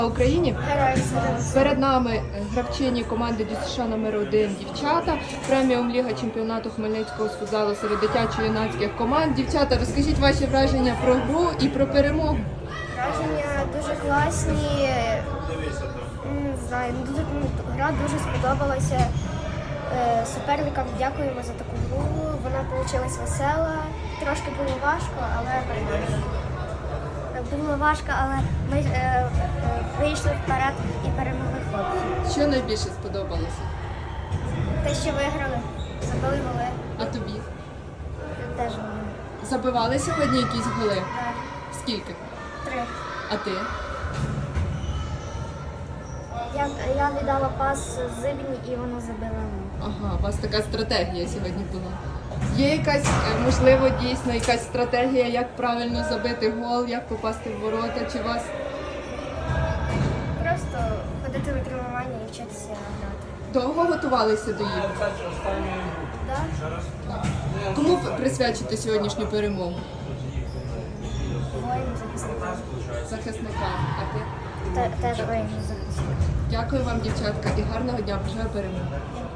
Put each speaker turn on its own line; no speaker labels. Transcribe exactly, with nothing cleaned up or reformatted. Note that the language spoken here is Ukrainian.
Україні.
Героям слава.
Перед нами гравчині команди ДЮСШ номер один дівчата. Преміум Ліга чемпіонату Хмельницького з футзалу серед дитячо-юнацьких команд. Дівчата, розкажіть ваші враження про гру і про перемогу.
Враження дуже класні. Не знаю, дуже, ну, гра дуже сподобалася. Е, Суперникам дякуємо за таку гру. Вона вийшла весела. Трошки було важко, але перемогли. Було важко, але ми е, е, вийшли вперед і перемогли хлопців.
Що найбільше сподобалося?
Те, що виграли, забили голи,
А тобі?
теж голи.
Забивали сьогодні якісь голи?
Так,
Скільки?
три.
А ти?
Я, я віддала пас Зибні і вона забила.
Ага, у вас така стратегія сьогодні була. Є якась, е, можливо, дійсно якась стратегія, як правильно забити гол, як попасти в ворота, чи вас?
Просто ходити на тренування і вчитися грати.
Довго готувалися до ігор?
Так?
Кому ви присвячите сьогоднішню перемогу?
Воїн захисникам.
Захисникам. А ти?
Те- Теж воїн захисникам.
Дякую вам, дівчатка, і гарного дня. Бажаю перемоги.